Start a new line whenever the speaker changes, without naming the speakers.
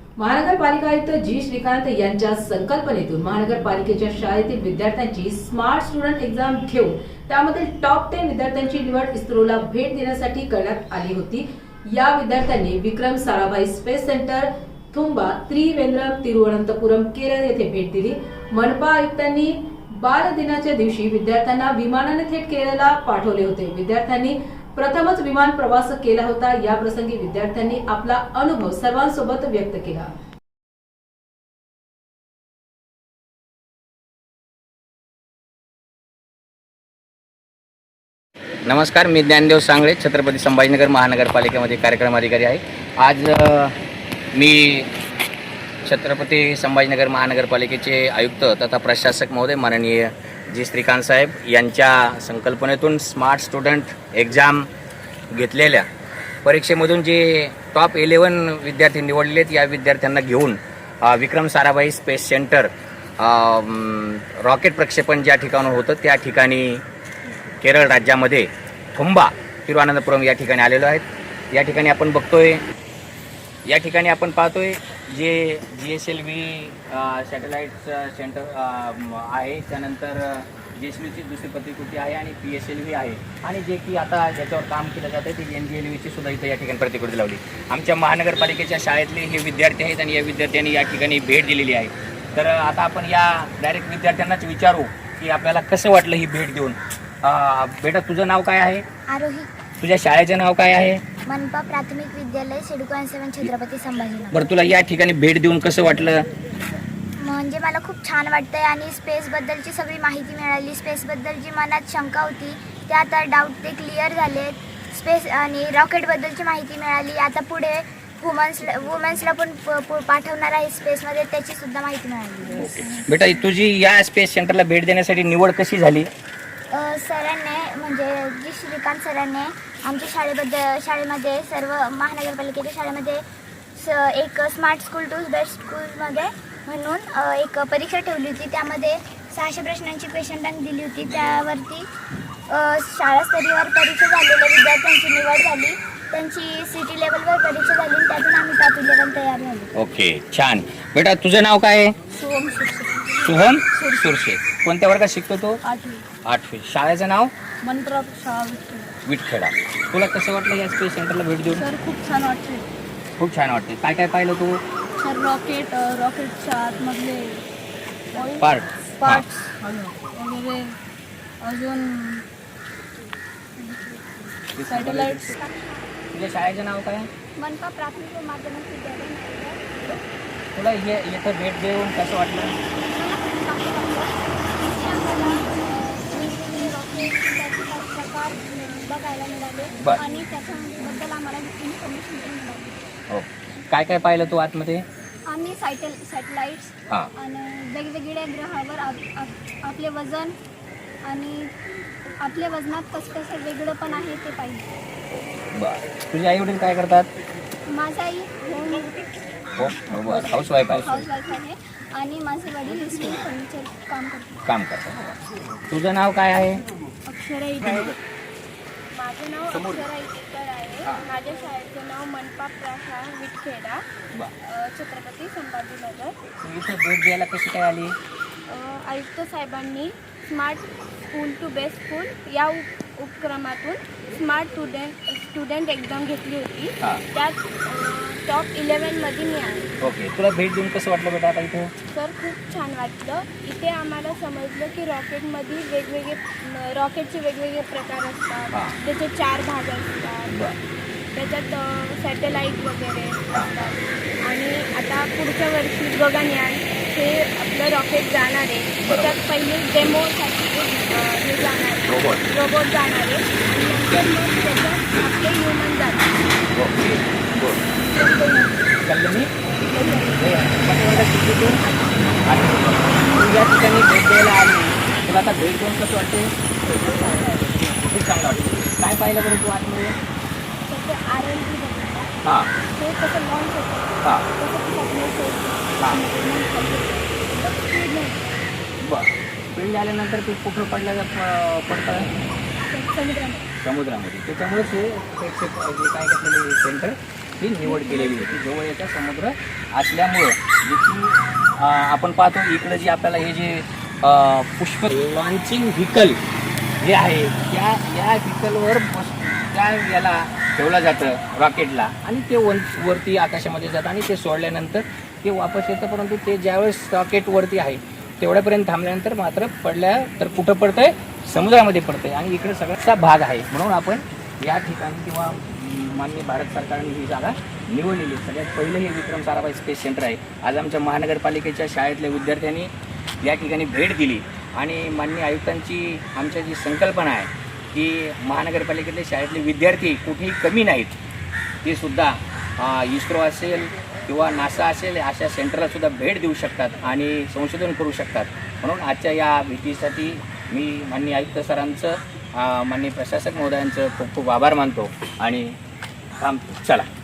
महानगरपालिका आयुक्त जी श्रीकांत यांच्या संकल्पनेतून महानगरपालिकेच्या शाळेतील विद्यार्थ्यांची स्मार्ट स्टुडंट एक्झाम घेऊन त्यामध्ये टॉप 10 विद्यार्थ्यांची निवड इस्रोला भेट देण्यासाठी करण्यात आली होती। या विद्यार्थ्यांनी विक्रम साराभाई स्पेस सेंटर, थुंबा, त्रिवेंद्रम, तिरुवनंतपुरम, केरळ येथे भेट दिली। मनपा आयुक्तांनी बाल दिनाच्या दिवशी विद्यार्थ्यांना विमानाने थेट केरळला पाठवले होते। विद्यार्थ्यांनी प्रथमच विमान प्रवास केला होता। या प्रसंगी विद्यार्थ्यांनी आपला अनुभव सर्वांसोबत व्यक्त केला।
नमस्कार, मी ज्ञानदेव सांगळे, छत्रपती संभाजीनगर महानगरपालिकेमध्ये कार्यक्रम अधिकारी आहे। आज मी छत्रपती संभाजीनगर महानगरपालिकेचे आयुक्त तथा प्रशासक महोदय माननीय जी श्रीकांत साहेब यांच्या संकल्पनेतून स्मार्ट स्टुडंट एक्झाम घेतलेल्या परीक्षेमधून जे टॉप 11 विद्यार्थी निवडलेत, या विद्यार्थ्यांना घेऊन Vikram Sarabhai space centre rocket प्रक्षेपण ज्या ठिकाणी होतं त्या ठिकाणी केरळ राज्यामध्ये थुंबा, तिरुवनंतपुरम या ठिकाणी आलेलो आहेत। या ठिकाणी आपण पाहतोय जे GSLV सॅटेलाइट सेंटर आहे, त्यानंतर GSLVची दुसरी प्रतिकृती आहे आणि PSLV आहे, आणि जे की आता ज्याच्यावर काम केलं जातं ते NGLVची सुद्धा इथं या ठिकाणी प्रतिकृती लावली। आमच्या महानगरपालिकेच्या शाळेतले हे विद्यार्थी आहेत आणि या विद्यार्थ्यांनी या ठिकाणी भेट दिलेली आहे। तर आता आपण या डायरेक्ट विद्यार्थ्यांनाच विचारू की आपल्याला कसं वाटलं ही भेट देऊन। बेटा, तुझं नाव काय आहे?
आरोही।
तुझ्या शाळेचं नाव काय आहे?
मनपा प्राथमिक विद्यालय सिडको 7 छत्रपती संभाजीनगर।
बरं, तुला या ठिकाणी भेट देऊन कसं वाटलं?
म्हणजे मला खूप छान वाटतंय आणि स्पेसबद्दलची सगळी माहिती मिळाली। स्पेसबद्दल जी मनात शंका होती त्या आता डाऊट ते क्लिअर झालेत। स्पेस आणि रॉकेटबद्दलची माहिती मिळाली। आता पुढे वुमन्सला पण पाठवणार आहे स्पेसमध्ये, त्याची सुद्धा माहिती मिळाली।
बेटा, तुझी या स्पेस सेंटरला भेट देण्यासाठी निवड कशी झाली?
सरांनी म्हणजे जी श्रीकांत सरांनी आमच्या शाळेमध्ये सर्व महानगरपालिकेच्या शाळेमध्ये एक स्मार्ट स्कूल टू बेस्ट स्कूलमध्ये म्हणून एक परीक्षा ठेवली होती। त्यामध्ये 600 प्रश्नांची क्वेश्चन बँक दिली होती। त्यावरती शाळा स्तरीयवर परीक्षा झालेल्या विद्यार्थ्यांची निवड झाली। त्यांची सिटी लेवलवर परीक्षा झाली, त्यातून आम्ही टॉप 11 तयार झालो।
ओके, छान। बेटा, तुझं नाव काय आहे? सोहम सुरशे। कोणत्या वर्गात शिकतो तो? 8वी। शाळेचं नाव?
मनपा शाळा
विटखेडा। तुला कसं वाटलं या स्पेस सेंटरला भेट देऊन?
सर खूप छान वाटते।
खूप छान वाटते। काय काय पाहिलं तू?
सर रॉकेटच्या आतमधले पार्ट्स वगैरे, अजून सॅटेलाइट्स।
तुझ्या शाळेचं नाव काय?
मनपा प्राथमिक व माध्यमिक विद्यालय।
तुला इथं भेट देऊन कसं वाटलं?
प्रकार बघायला मिळाले आणि त्याच्याबद्दल आम्हाला इन्फॉर्मेशन मिळाली।
हो, काय काय पाहिलं तू आतमध्ये?
आम्ही सॅटेलाइट्स आणि वेगवेगळ्या ग्रहावर आपले वजन आणि आपल्या वजनात कसं वेगळं पण आहे ते पाहिजे।
बरं, तुझे आई वडील काय करतात?
माझा आई
हाऊसवाईफ
आहे आणि माझे वडील स्टील फर्निचर काम करतात।
तुझं नाव काय आहे?
अक्षरा इटेकर।
माझं नाव अक्षरा इटेकर आहे। माझ्या शाळेचं नाव मनपा प्राशा विटखेडा, छत्रपती संभाजीनगर।
इथे भेट द्यायला कशी काय आली?
आयुक्त साहेबांनी smart school to best school या उपक्रमातून स्मार्ट स्टुडंट एक्झाम घेतली होती। त्यात टॉप 11मध्ये मी आहे।
ओके, तुला भेट देऊन कसं वाटलं बेटा आता इथे?
सर खूप छान वाटलं। इथे आम्हाला समजलं की रॉकेटचे वेगवेगळे प्रकार असतात, त्याचे 4 भाग असतात, त्याच्यात सॅटेलाईट वगैरे असतात। आणि आता पुढच्या वर्षी गगनयान हे आपलं रॉकेट जाणार आहे, त्याच्यात पहिले डेमोसाठी हे जाणार आहे, रोबोट जाणार आहे, आणि नंतर मग त्याच्यात आपले ह्युमन जाणार।
या ठिकाणी भेट द्यायला आली, तुला आता भेट देऊन कसं वाटते? खूप चांगलं वाटतं। काय पाहिलं बरं तू आतमध्ये?
R&D
हां,
ते कसं लॉन्च होतं,
हां, बरं। स्पीड झाल्यानंतर ते कुठं पडतं? समुद्रामध्ये। त्याच्यामुळेच हे काय घेतलेलं सेंटर ती निवड केलेली आहे. ती जवळचा समुद्र असल्यामुळं जी की आपण पाहतो इकडं जी आपल्याला हे जे पुष्प लॉन्चिंग व्हीकल जे आहे त्या या व्हीकलवर त्या याला ठेवलं जातं रॉकेटला आणि ते वरती आकाशामध्ये जातं आणि ते सोडल्यानंतर ते वापस येतं. परंतु ते ज्यावेळेस रॉकेटवरती आहे तेवढ्यापर्यंत थांबल्यानंतर मात्र पडल्या तर कुठं पडतंय, समुद्रामध्ये पडतंय आणि इकडे सगळ्याचा भाग आहे. म्हणून आपण या ठिकाणी किंवा माननीय भारत सरकारने ही जागा निवडलेली. सगळ्यात पहिलं हे विक्रम साराभाई स्पेस सेंटर आहे. आज आमच्या महानगरपालिकेच्या शाळेतल्या विद्यार्थ्यांनी या ठिकाणी भेट दिली आणि माननीय आयुक्तांची आमच्या जी संकल्पना आहे की महानगरपालिकेतले शाळेतले विद्यार्थी कुठेही कमी नाहीत, ते सुद्धा इस्रो असेल किंवा नासा असेल अशा सेंटरला सुद्धा भेट देऊ शकतात आणि संशोधन करू शकतात. म्हणून आजच्या या भेटीसाठी मी माननीय आयुक्त सरांचं, माननीय प्रशासक महोदयांचं खूप खूप आभार मानतो आणि थांबतो. चला.